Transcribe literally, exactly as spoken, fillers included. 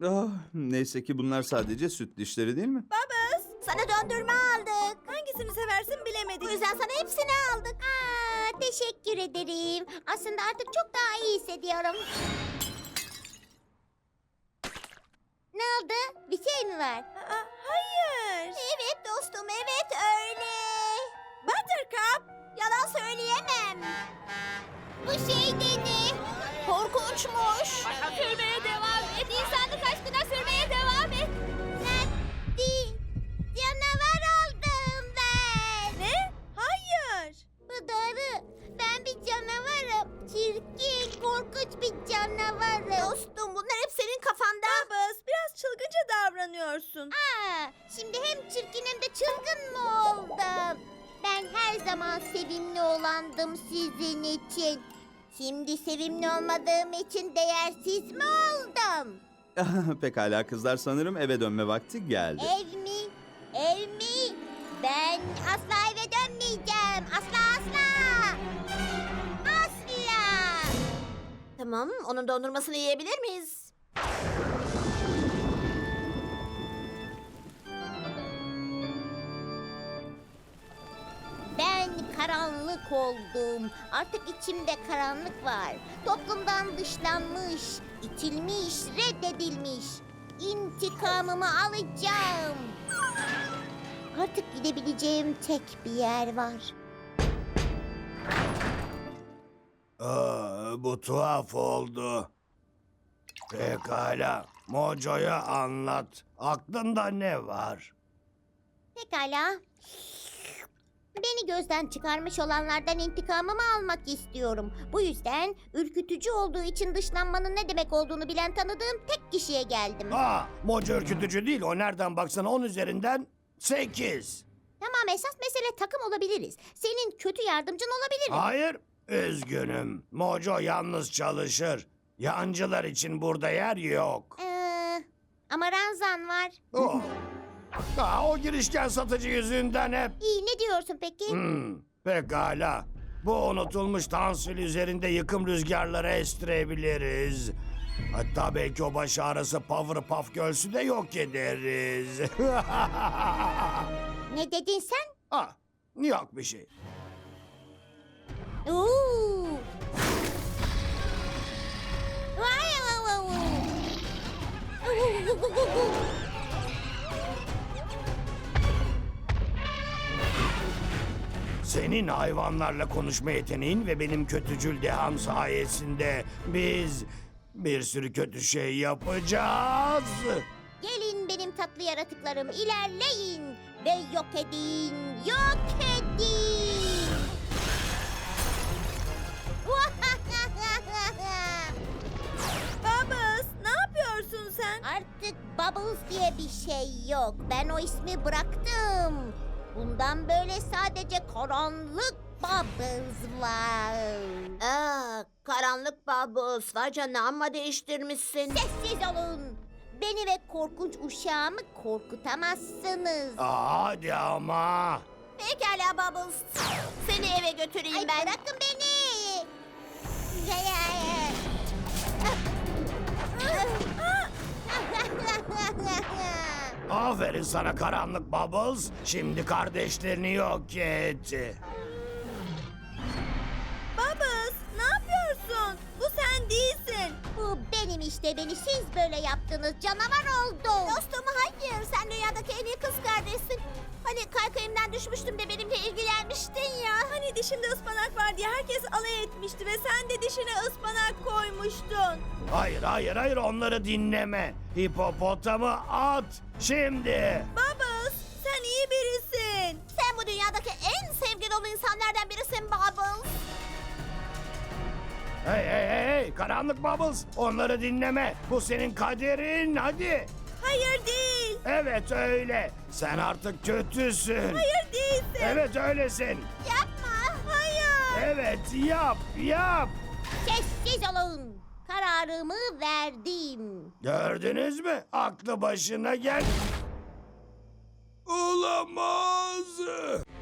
Ah, neyse ki bunlar sadece süt dişleri değil mi? Babas, sana döndürme aldık. Hangisini seversin bilemedik. Bu yüzden sana hepsini aldık. Aa, teşekkür ederim. Aslında artık çok daha iyi hissediyorum. Ne oldu? Bir şey mi var? Aa, hayır. Evet dostum, evet öyle. Buttercup. Yalan söyleyemem. Bu şey de ne? Korkunçmuş. Sürmeye devam et. İnsanlık aşkına sürmeye devam et. Hadi. Canavar oldum ben. Ne? Hayır. Bu doğru. Ben bir canavarım. Çirkin, korkunç bir canavarım. Dostum bunlar hep senin kafanda. Babas, biraz çılgınca davranıyorsun. Aa, şimdi hem çirkin hem de çılgın mı oldum? Ben her zaman sevimli olandım sizin için. Şimdi sevimli olmadığım için değersiz mi oldum? Pekala kızlar, sanırım eve dönme vakti geldi. Ev mi? Ev mi? Ben asla eve dönmeyeceğim. Asla asla. Asla. Tamam, onun dondurmasını yiyebilir miyiz? Ben karanlık oldum. Artık içimde karanlık var. Toplumdan dışlanmış, itilmiş, reddedilmiş. İntikamımı alacağım. Artık gidebileceğim tek bir yer var. Aa, bu tuhaf oldu. Pekala, Mojo'ya anlat. Aklında ne var? Pekala. Beni gözden çıkarmış olanlardan intikamımı almak istiyorum. Bu yüzden ürkütücü olduğu için dışlanmanın ne demek olduğunu bilen tanıdığım tek kişiye geldim. Aa, Mojo ürkütücü değil. O nereden baksana on üzerinden sekiz. Tamam, esas mesele takım olabiliriz. Senin kötü yardımcın olabilirim. Hayır, üzgünüm. Mojo yalnız çalışır. Yancılar için burada yer yok. Ee, ama Ranzan var. Oh. Aa, o girişken satıcı yüzünden hep. İyi, ne diyorsun peki? Hmm, pekala. Bu unutulmuş tansil üzerinde yıkım rüzgarları estirebiliriz. Hatta belki o baş ağrısı Powerpuff Girls'ü de yok ederiz. Ne dedin sen? Ah, yok bir şey. Oo. Vay vay vay vay. Senin hayvanlarla konuşma yeteneğin ve benim kötücül deham sayesinde biz bir sürü kötü şey yapacağız. Gelin benim tatlı yaratıklarım, ilerleyin ve yok edin, yok edin. Babas, ne yapıyorsun sen? Artık Bubbles diye bir şey yok. Ben o ismi bıraktım. Bundan böyle sadece karanlık Bubbles var. Aa, karanlık Babas. Vay canına, amma değiştirmişsin. Sessiz olun. Beni ve korkunç uşağımı korkutamazsınız. Aa, hadi ama. Pekala Bubbles. Seni eve götüreyim Ay, ben. bırakın beni. Aferin sana karanlık Bubbles. Şimdi kardeşlerini yok et. Babas, ne yapıyorsun? Bu sen değilsin. Bu benim işte, beni siz böyle yaptınız, canavar oldum. Dostum hayır, sen dünyadaki en iyi kız kardeşsin. Hani kaykayımdan düşmüştüm de benimle ilgilenmiştin ya. Hani dişimde ıspanak var diye herkes alay etmişti ve sen de dişine ıspanak koymuştun. Hayır hayır hayır onları dinleme. Hipopotamı at şimdi. Babas, sen iyi birisin. Sen bu dünyadaki en sevgi dolu insanlardan birisin Bubbles. Hey hey hey hey karanlık Bubbles onları dinleme. Bu senin kaderin hadi. Hayır değil. Evet öyle. Sen artık kötüsün. Hayır değilsin. Evet öylesin. Yapma. Hayır. Evet yap yap. Sessiz olun. Kararımı verdim. Gördünüz mü? Aklı başına gel. Olamaz.